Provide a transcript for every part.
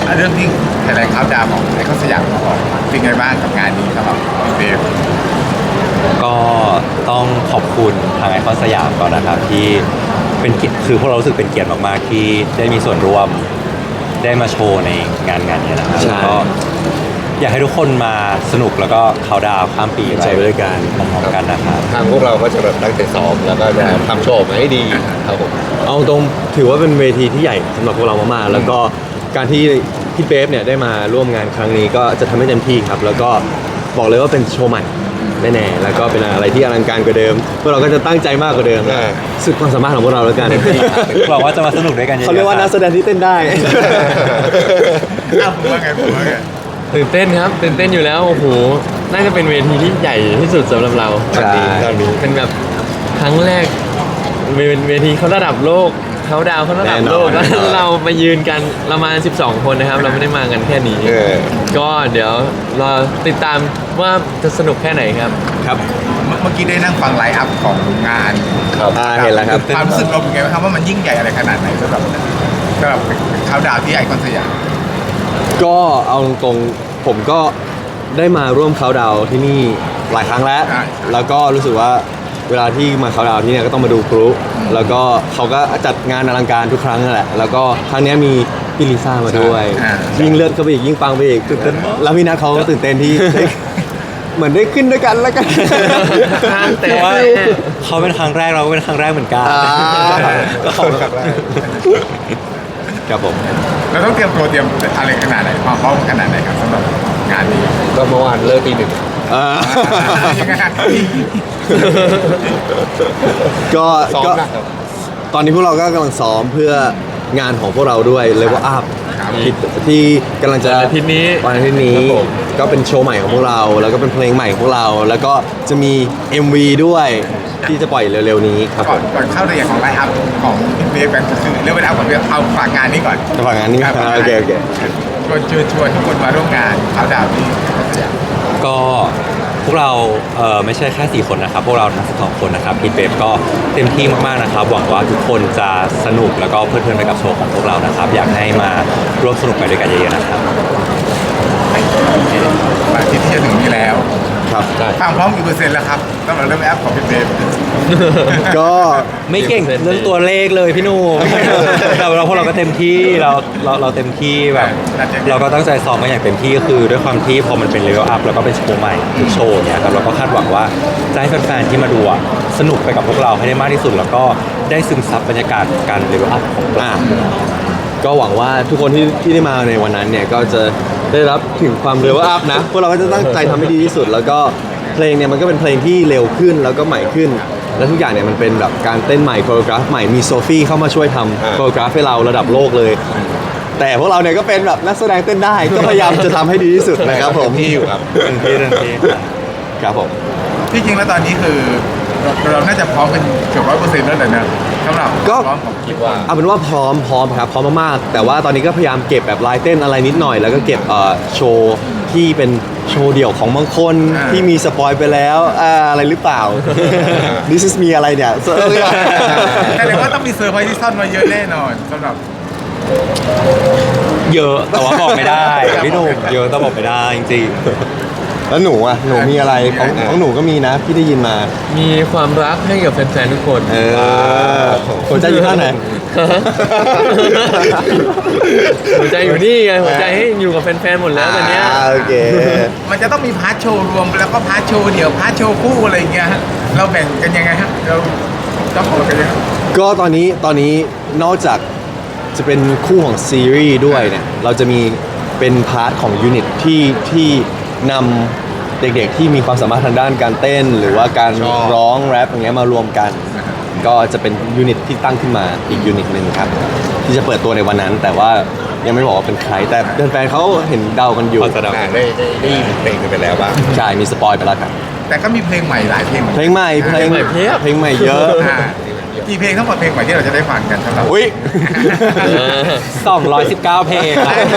เรื่องที่แถลงข่าวดาวของไอคอนสยามก่อนเป็นไงบ้างกับงานนี้สำหรับพี่เบฟก็ต้องขอบคุณทางไอคอนสยามก่อนนะครับที่เป็นเกียรติคือพวกเรารู้สึกเป็นเกียรติมากๆที่ได้มีส่วนร่วมได้มาโชว์ในงานนี้นะครับแล้วก็อยากให้ทุกคนมาสนุกแล้วก็เขาดาวข้ามปีไปด้วยกันพร้อมๆกันนะครับทางพวกเราก็จะแบบตั้งใจซ้อมแล้วก็จะทำโชว์มาให้ดีครับผมเอาตรงถือว่าเป็นเวทีที่ใหญ่สำหรับพวกเรามากๆแล้วก็การที่พี่เบฟเนี่ยได้มาร่วมงานครั้งนี้ก็จะทำให้เต็มที่ครับแล้วก็บอกเลยว่าเป็นโชว์ใหม่แน่ๆแล้วก็เป็นอะไรที่อลังการกว่าเดิมพวกเราก็จะตั้งใจมากกว่าเดิมสุดความสามารถของพวกเราแล้วกันหวังว่าจะมาสนุกด้วยกันเขาเรียกว่านักแสดงที่เต้นได้ผมว่าไงตื่นเต้นครับตื่นเต้นอยู่แล้วโอ้โหน่าจะเป็นเวทีที่ใหญ่ที่สุดสำหรับเราใช่เป็นแบบครั้งแรกเป็นเวทีเขาระดับโลกเขาดาวเขาระดับโลกแล้วเรามายืนกันเรามา12คนนะครับเราไม่ได้มากันแค่นี้ก็เดี๋ยวรอติดตามว่าจะสนุกแค่ไหนครับครับเมื่อกี้ได้นั่งฟังไลฟ์อัพของงานครับเห็นแล้วครับความรู้สึกเราเป็นไงบ้างครับว่ามันยิ่งใหญ่อะไรขนาดไหนสำหรับเขาดาวที่ไอคอนสยามก็เอาตรงๆผมก็ได้มาร่วมเขาดาวที่นี่หลายครั้งแล้วก็รู้สึกว่าเวลาที่มาเขาดาวที่เนี่ยก็ต้องมาดูพลุแล้วก็เขาก็จัดงานอลังการทุกครั้งนั่นแหละแล้วก็ครั้งนี้มีพี่ลิซ่ามาด้วยยิ่งเลือดเข้าไปอีกยิ่งปังไปอีกตื่นเต้นแล้วพี่นัทเขาก็ตื่นเต้นที่เหมือนได้ขึ้นด้วยกันแล้วกันแต่ว่าเขาเป็นครั้งแรกเราก็เป็นครั้งแรกเหมือนกันก็ขอบคุณครับผมเราต้องเตรียมตัวเตรียมอะไรขนาดไหนความพร้อมขนาดไหนครับสำหรับงานนี้ก็เมื่อวานเลิกตี 1 ยังไงก็ตอนนี้พวกเราก็กำลังซ้อมเพื่องานของพวกเราด้วย Level Up ที่กำลังจะวันอาทิตย์นี้ก็เป็นโชว์ใหม่ของพวกเราแล้วก็เป็นเพลงใหม่ของพวกเราแล้วก็จะมี MV ด้วยที่จะปล่อยเร็วๆนี้ครับก่อนเข้าในอย่างของไลฟ์อัพของพี่เบฟกันก็คือเรื่องไลฟ์อัพของเราเอาฝากงานนี้ก่อนฝากงานนี้โอเคชวนทุกคนมาร่วมงานเขาดาวที่ก็พวกเราไม่ใช่แค่4คนนะครับพวกเราทั้ง12คนนะครับพี่เบฟก็เต็มที่มากๆนะครับหวังว่าทุกคนจะสนุกแล้วก็เพลิดเพลินไปกับโชว์ของพวกเรานะครับอยากให้มาร่วมสนุกไปด้วยกันเยอะๆนะครับวันอาทิตย์ที่จะถึงนี้แล้วครับความพร้อมกี่เปอร์เซ็นต์แล้วครับสำหรับเรื่องแอปของพี่เบฟก็ไม่เก่งเรื่องตัวเลขเลยพี่หนุ่มแต่เราพวกเราก็เต็มที่เราเต็มที่แบบเราก็ตั้งใจซ้อมกันอย่างเต็มที่คือด้วยความที่พอมันเป็นเลเวลอัพแล้วก็เป็นโชว์ใหม่ทุกโชว์เนี่ยครับเราก็คาดหวังว่าจะให้แฟนๆที่มาดูสนุกไปกับพวกเราให้ได้มากที่สุดแล้วก็ได้ซึมซับบรรยากาศการเลเวลอัพของเราก็หวังว่าทุกคนที่ได้มาในวันนั้นเนี่ยก็จะได้รับถึงความเลเวลอัพนะพวกเราก็จะตั้งใจทำให้ดีที่สุดแล้วก็เพลงเนี่ยมันก็เป็นเพลงที่เร็วขึ้นแล้วก็ใหม่ขึ้นและทุกอย่างเนี่ยมันเป็นแบบการเต้นใหม่โคโรกราฟใหม่มีโซฟี่เข้ามาช่วยทำโคโรกราฟให้เราระดับโลกเลยแต่พวกเราเนี่ยก็เป็นแบบนักแสดงเต้นได้ก็พยายามจะทำให้ดีที่สุดนะครับผมที่อยู่ครับที่ครับผมที่จริงแล้วตอนนี้คือเราน่าจะพร้อมเป็นเกือบ100%แล้วเลยนะสำหรับก็คิดว่าเอาเป็นว่าพร้อมครับพร้อมมากๆแต่ว่าตอนนี้ก็พยายามเก็บแบบลายเต้นอะไรนิดหน่อยแล้วก็เก็บโชว์ที่เป็นโชว์เดี่ยวของบางคนที่มีสปอยไปแล้วอะไรหรือเปล่า This is me อะไรเนี่ยแต่ว่าต้องมีเซอร์ไพรส์ที่ซ่อนมาเยอะแน่นอนสำหรับเยอะแต่ว่าบอกไม่ได้พี่หนุ่มเยอะแต่บอกไม่ได้จริงแล้วหนูมีอะไรของหนูก็มีนะพี่ได้ยินมามีความรักให้กับแฟนๆทุกคนหัวใจอยู่ท่าไหนหัวใจอยู่นี่ไงหัวใจให้อยู่กับแฟนๆหมดแล้วตอนนี้โอเคมันจะต้องมีพาร์ทโชว์รวมแล้วก็พาร์ทโชว์เดี่ยวพาร์ทโชว์คู่อะไรอย่างเงี้ยเราแบ่งกันยังไงฮะเราต้องแบ่งกันยังไงก็ตอนนี้นอกจากจะเป็นคู่ของซีรีส์ด้วยเนี่ยเราจะมีเป็นพาร์ทของยูนิตที่นำเด็กๆที่มีความสามารถทางด้านการเต้นหรือว่าการร้องแรปอย่างเงี้ยมารวมกันก็จะเป็นยูนิตที่ตั้งขึ้นมาอีกยูนิตหนึ่งครับที่จะเปิดตัวในวันนั้นแต่ว่ายังไม่บอกว่าเป็นใครแต่แฟนๆเขาเห็นเดากันอยู่ได้เพลงกันไปแล้วบ้างใช่มีสปอยไปแล้วครับแต่ก็มีเพลงใหม่หลายเพลงเพลงใหม่เยอะกี่เพลงทั้งหมดเพลงใหม่ที่เราจะได้ฟังกันครับอุ้ย 219 เพลง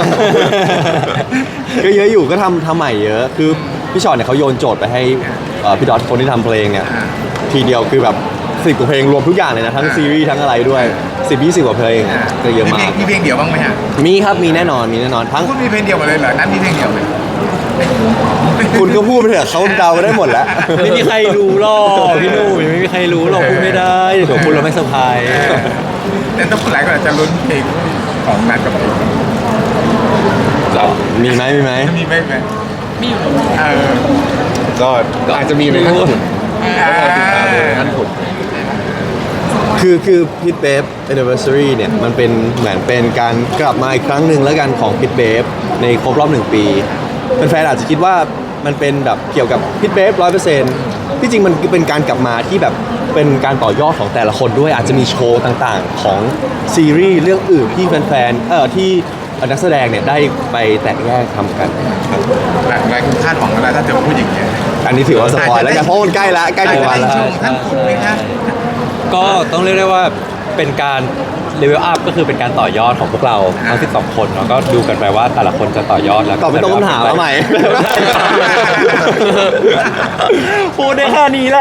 ก็เยอะอยู่ก็ทำใหม่เยอะคือพี่ชอตเนี่ยเขาโยนโจทย์ไปให้พี่ดอทคนที่ทำเพลงเนี่ยทีเดียวคือแบบ 10 กว่าเพลงรวมทุกอย่างเลยนะทั้งซีรีส์ทั้งอะไรด้วย 10-20 กว่าเพลงก็เยอะมากมีเพลงเดียวบ้างไหมฮะมีครับมีแน่นอนทั้งคุณมีเพลงเดียวหมดเลยเหรอนั้นมีเพลงเดียวเลยคุณก็พูดไปเถอะเขาเดาได้หมดแล้วไม่มีใครรู้หรอกพี่หนุ่มยังไม่มีใครรู้หรอกพูดไม่ได้เดี๋ยวพูดเราไม่เซอร์ไพรส์แต่ต้องหลายคนอาจจะลุ้นเพลงของนัทกับเพลงมีไหมมีไหมมีอยู่ก็อาจจะมีในขั้นขุนขั้นขุนคือพิทเบฟ anniversary เนี่ยมันเป็นเหมือนเป็นการกลับมาอีกครั้งหนึ่งแล้วกันของพิทเบฟในครบรอบ1 ปีแฟนๆอาจจะคิดว่ามันเป็นแบบเกี่ยวกับพิทเบฟ100%ที่จริงมันเป็นการกลับมาที่แบบเป็นการต่อยอดของแต่ละคนด้วยอาจจะมีโชว์ต่างๆของซีรีส์เรื่องอื่นที่แฟนๆที่นักแสดงเนี่ยได้ไปแตกแยกทำกันครับหลายคนคาดหวังอะไรถ้าเจอผู้หญิงเนี่ยอันนี้ถือว่าสปอยแล้วกันเพราะมันใกล้ถึงวันแล้วชมท่านคุณไหมคะก็ต้องเรียกได้ว่าเป็นการเลเวลอัพก็คือเป็นการต่อยอดของพวกเราทั้ง12 คนเนาะก็ดูกันไปว่าแต่ละคนจะต่อยอดแล้วตอบไม่ตรงคำถามแล้วใหม่พูดได้แค่นี้แหละ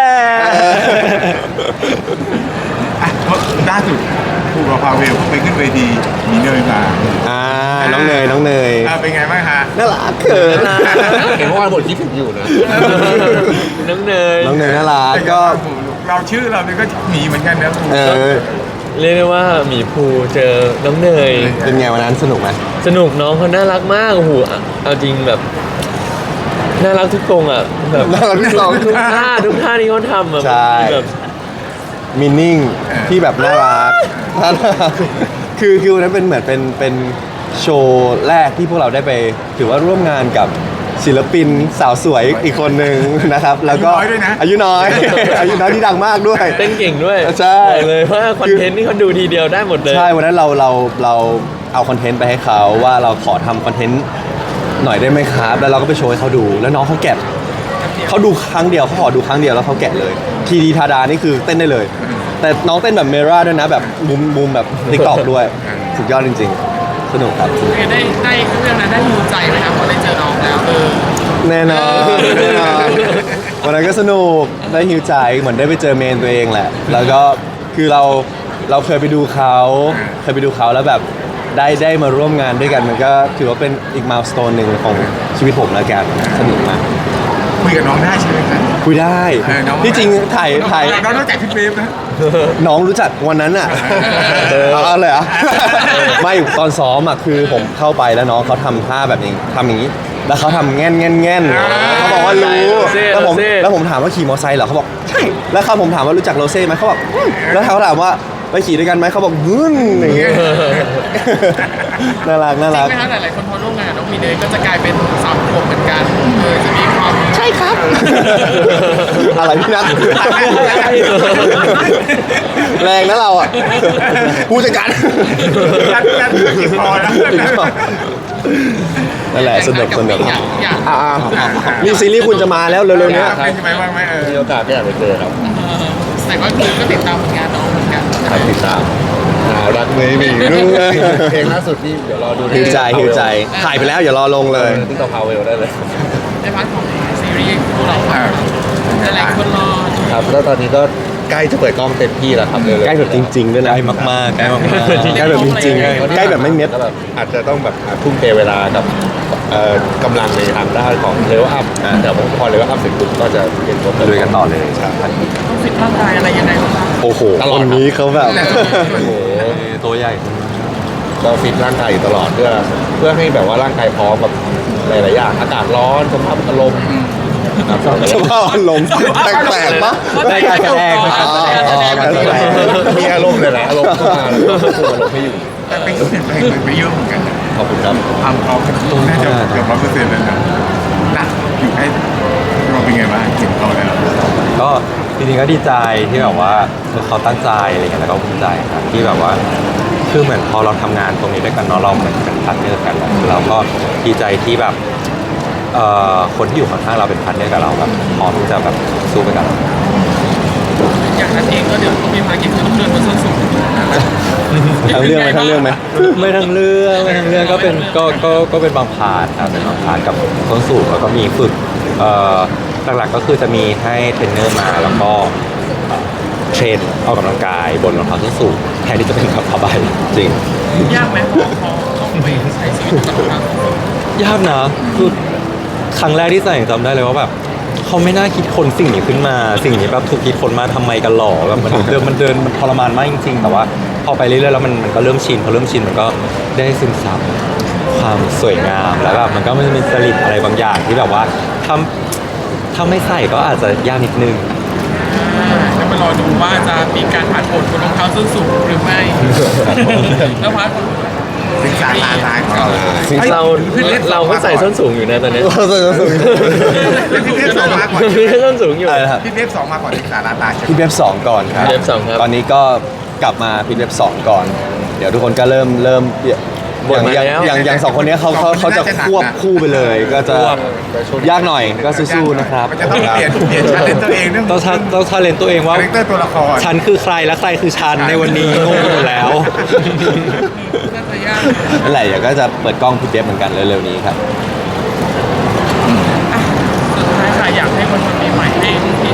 ล่าสุดผู้กับพาเวลไปขึ้นเวทีมีเนยมาน้องเนยเป็นไงบ้างฮะน่ารักเขินเห็นว่าบทคิดถึงอยู่นะน้องเนยน้องเนยน่ารักก็เราชื่อเราเนี่ยก็หมีเหมือนกันนะเรียกได้ว่าหมีภูเจอน้องเนยเป็นไงวันนั้นสนุกไหมสนุกน้องเขาน่ารักมากโอ้โหเอาจริงแบบน่ารักทุกตรงอ่ะแบบน่ารักที่สองทุกท่าที่เขาทำอ่ะใช่แบบมินนิ่งที่แบบน่ารักคือวันนั้นเป็นเหมือนเป็นโชว์แรกที่พวกเราได้ไปถือว่าร่วมงานกับศิลปินสาวสวยอีกคนหนึ่งนะครับ แล้วก็อายุน้อย อายุน้อยที่ดังมากด้วยเต้นเก่งด้วยใช่บอกเลยว่าคอนเทนต์นี่เขาดูทีเดียวได้หมดเลยใช่วันนั้นเราเอาคอนเทนต์ไปให้เขาว่าเราขอทำคอนเทนต์หน่อยได้ไหมครับแล้วเราก็ไปโชว์ให้เขาดูแล้วน้องเขาแกะเขาดูครั้งเดียวเขาขอดูครั้งเดียวแล้วเขาแกะเลยทีดีทาดานี่คือเต้นได้เลย แต่น้องเต้นแบบเมราด้วยนะแบบมุมแบบติ๊กตอกด้วยสุดยอดจริงๆ สนุกครับได้เรื่องนั้นได้หิวใจไหมครับพอได้เจอน้องแล้วแน่นอนวันนั้นก็สนุกได้ฮิวใจเหมือนได้ไปเจอเมนตัวเองแหละ แล้วก็คือเราเคยไปดูเขาแล้วแบบได้มาร่วมงานด้วยกันมันก็ถือว่าเป็นอีกมายสโตนหนึ่งของชีวิตผมแล้วกันสนุกมากคุยกับน้องได้ใช่ไหมครับคุยได้ที่จริงถ่ายน้องรู้จักพี่เบฟนะน้องรู้จักวันนั้นอ่ะเอาเลยเหรอไม่ตอนซ้อมอ่ะคือผมเข้าไปแล้วน้องเขาทำท่าแบบนี้ทำอย่างนี้แล้วเขาทำแง่นเขาบอกว่ารู้แล้วผมถามว่าขี่มอเตอร์ไซค์เหรอเขาบอกใช่แล้วผมถามว่ารู้จักโรเซ่ไหมเขาบอกแล้วเขาถามว่าไปขี่ด้วยกันไหมเขาบอกอย่างเงี้ยน่ารักจริงไหมคะหลายๆคนพอร่วมงานน้องมีเนยก็จะกลายเป็นสาวขวบเหมือนกันจะมีความใช่ครับอะไรพี่นัทแรงนะเราอ่ะผู้จัดการนัทพอแล้วนั่นแหละสนุกอยากนี่ซีรีส์คุณจะมาแล้วเร็วๆเนี้ยเป็นใช่ไหมบ้างไหมมีโอกาสก็อยากไปเจอครับแต่ว่าคือก็ติดตามผลงานน้องเหมือนกันครับติดตามรักไม่มีเพลงล่าสุดนี่เดี๋ยวรอดูหิวใจถ่ายไปแล้วอย่ารอลงเลยติ๊กต็อกพาวเวลได้เลยในพาร์ทของซีรีส์พวกเราหลายคนรอครับแล้วตอนนี้ก็ใกล้จะเปิดกล้องเต็มที่แล้วครับเลยใกล้แบบจริงๆด้วยนะใกล้มากๆใกล้มากใกล้แบบจริงๆใกล้แบบไม่เม็ดแล้วแบบอาจจะต้องแบบทุ่มเทเวลากับกำลังในทางด้านของเลเวลอัพแต่พอเลเวลอัพเสร็จปุ๊บก็จะเรียนรู้ๆลุยกันต่อเลยใช่ต้องฟิตร่างกายอะไรยังไงบ้างคะโอ้โหคนนี้เขาแบบโอ้โหตัวใหญ่ก็ฟิตร่างกายอยู่ตลอดเพื่อให้แบบว่าร่างกายพร้อมกับหลายๆอย่างอากาศร้อนสภาพอารมณ์ครับสภาพอารมณ์แปลกๆปะได้การแสดงการแสดงมีอารมณ์เลยนะอารมณ์เข้ามาแล้วก็ควบคุมอารมณ์ให้อยู่แต่เป็นเปลี่ยนแปลงไปเยอะเหมือนกันขอบคุณครับความพร้อมน่าจะเกือบ100%เลยนะนัทอยู่ให้เราเป็นไงบ้างเห็นเขาแล้วก็จริงๆก็ดีใจที่แบบว่าเขาตั้งใจอะไรเงี้ยแล้วก็ภูมิใจครับที่แบบว่าคือเหมือนพอเราทำงานตรงนี้ด้วยกันเนาะเราเหมือนเป็นพาร์ทเนอร์กันแล้วเราก็ดีใจที่แบบคนที่อยู่ข้างๆเราเป็นพาร์ทเนอร์กับเราแบบพร้อมที่จะแบบสู้ไปกับเราอย่างนั้นเองก็เดี๋ยวต้องมีภารกิจคือต้องเดินบนส้นสูงทั้งเรื่องไหมไม่ทั้งเรื่องก็เป็นก็เป็นบางพาร์ทครับเป็นบางพาร์ทกับต้นสูงแล้วก็มีฝึกหลักๆก็คือจะมีให้เทรนเนอร์มาแล้วก็เทรนออกกำลังกายบนรองเท้าส้นสูงแทนที่จะเป็นแบบผ้าใบจริงยากไหมพอต้องไปใช้ชีวิตกับทางยากนะคือครั้งแรกที่ใส่จำได้เลยว่าแบบเขาไม่น่าคิดคนสิ่งนี้ขึ้นมาสิ่งนี้แบบถูกคิดคนมาทำไมกันหรอแบบมันเดินมันทรมานมากจริงๆแต่ว่าพอไปเรื่อยๆแล้วมันก็เริ่มชินพอเริ่มชินมันก็ได้ซึมซับความสวยงามแล้วแบบมันก็มีจริตอะไรบางอย่างที่แบบว่าถ้าไม่ใส่ก็อาจจะยากนิดนึงจะมารอดูว่าจะมีการผ่านผลบนรองเท้าส้นสูงหรือไม่ แล้วพัดสิงสาราตายของเราเราก็ใส่ส้นสูงอยู่นะตอนเนี้ยพี่เทพสองมาก่อนพี่ส้นสูงอยู่อะไรนะครับพี่เทพสองมาก่อนสิงสาราตายใช่ไหมพี่เว็บ2ก่อนครับพี่เว็บ2ครับตอนนี้ก็กลับมาพี่เว็บ2ก่อน เดี๋ยวทุกคนก็เริ่มอย่างสองคนเนี้ยเขาจะควบคู่ไปเลย ก็จะยากหน่อยก็สู้ๆนะครับมันจะต้องเปลี่ยนชาเลนตัวเองเรื่องต้องชาเลนตัวเองว่าคาแรคเตอร์ตัวละครฉันคือใครและใครคือฉันในวันนี้งงไปหมดแล้วน่าจะยากนั่นแหละเดี๋ยวก็จะเปิดกล้องพี่เว็บเหมือนกันเร็วๆนี้ครับสุดท้ายค่ะอยากให้คนปีใหม่ให้ที่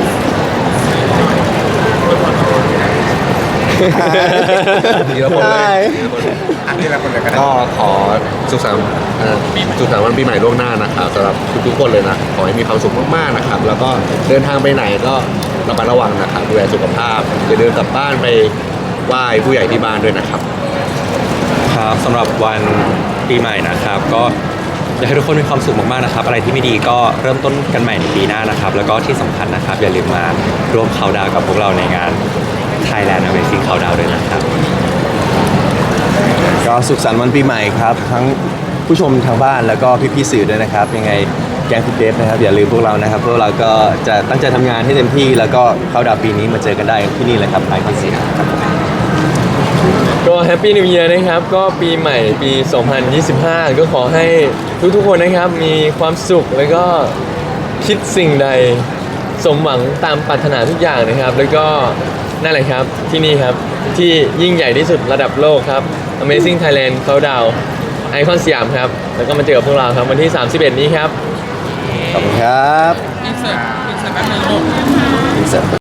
ทีละคนเลยอันนี้ละคนเลยก็ได้ก็ขอสุขสันต์วันปีใหม่ล่วงหน้านะครับสำหรับทุกๆคนเลยนะขอให้มีความสุขมากๆนะครับ แล้วก็เดินทางไปไหนก็ระมัดระวังนะครับดูแลสุขภาพอย่าเดินกลับบ้านไปไหว้ผู้ใหญ่ที่บ้านด้วยนะครับครับสำหรับวันปีใหม่นะครับ ก็อยากให้ทุกคนมีความสุขมากๆนะครับ อะไรที่ไม่ดีก็เริ่มต้นกันใหม่ในปีหน้านะครับ แล้วก็ที่สำคัญนะครับ อย่าลืมมาร่วมเขาน์ดาวน์กับพวกเราในงาน Thailand Amazing Countdown ด้วยนะครับก็สุขสันต์วันปีใหม่ครับ ทั้งผู้ชมทางบ้านแล้วก็พี่ๆสื่อด้วยนะครับ ยังไงแกงพี่เดฟนะครับอย่าลืมพวกเรานะครับพวกเราก็จะตั้งใจทำงานให้เต็มที่ แล้วก็เข้าดาวปีนี้มาเจอกันได้ที่นี่แหละครับไอคอนสยามครับก็แฮปปี้นิว e ย r นะครับ ก็ปีใหม่ปี 2025 ก็ขอให้ทุกๆคนนะครับ มีความสุขแล้วก็คิดสิ่งใดสมหวังตามปรารถนาทุกอย่างนะครับ แล้วก็นั่นแหละครับที่นี่ครับ ที่ยิ่งใหญ่ที่สุดระดับโลกครับ Amazing Thailand Countdown ไอคอนสยามครับ แล้วก็มาเจอกับพวกเราครับวันที่ 31 นี้ครับขอบคุณครับอินเสิร์ตแป๊บนึงลูก Insert